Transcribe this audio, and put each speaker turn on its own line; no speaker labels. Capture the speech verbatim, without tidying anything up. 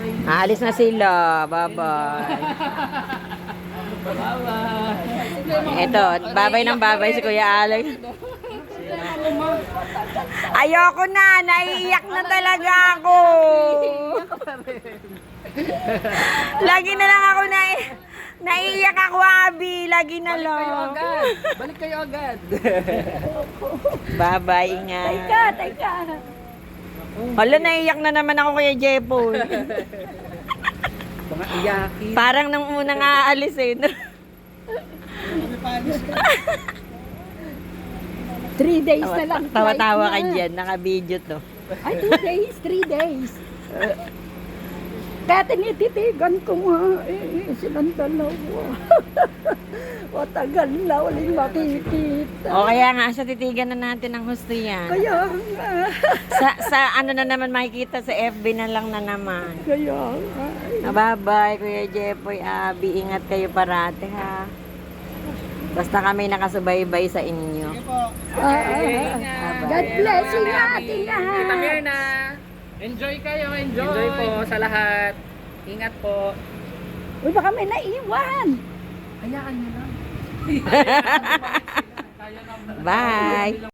Aalis na sila. Bye-bye.
Bye-bye.
Ito, babay ng babay si Kuya Alex. Ayoko na. Naiiyak na talaga ako. Lagi na lang ako na naiiyak ako, Abi. Lagi na
Balik kayo
lang.
agad. Balik kayo agad.
Bye-bye. Ingat.
Teka, teka.
Hala, naiiyak na naman ako Kuya Jepoy.
Mga iyakin.
Parang nung unang aalis eh.
Three days na lang.
Tawa-tawa ka
flight na.
dyan. Naka-video to.
Ay, two days, three days. Kaya tinititigan ko nga, eh, silang dalawa. Matagal na uling makikita.
O kaya nga, sa titigan na natin ang husto yan.
Kaya nga,
Sa, sa ano na naman makikita sa F B na lang na naman.
kaya nga.
Ah, Bye-bye, Kuya Jepoy, Abi. Ingat kayo parate, ha. Basta kami nakasubaybay sa inyo.
Ah, ah, ah. God bless you natin
Kita
lahat.
Mirna. Enjoy kayo, enjoy. Enjoy po sa lahat. Ingat po.
Uy, baka may naiwan.
Hayaan nyo lang.
Bye!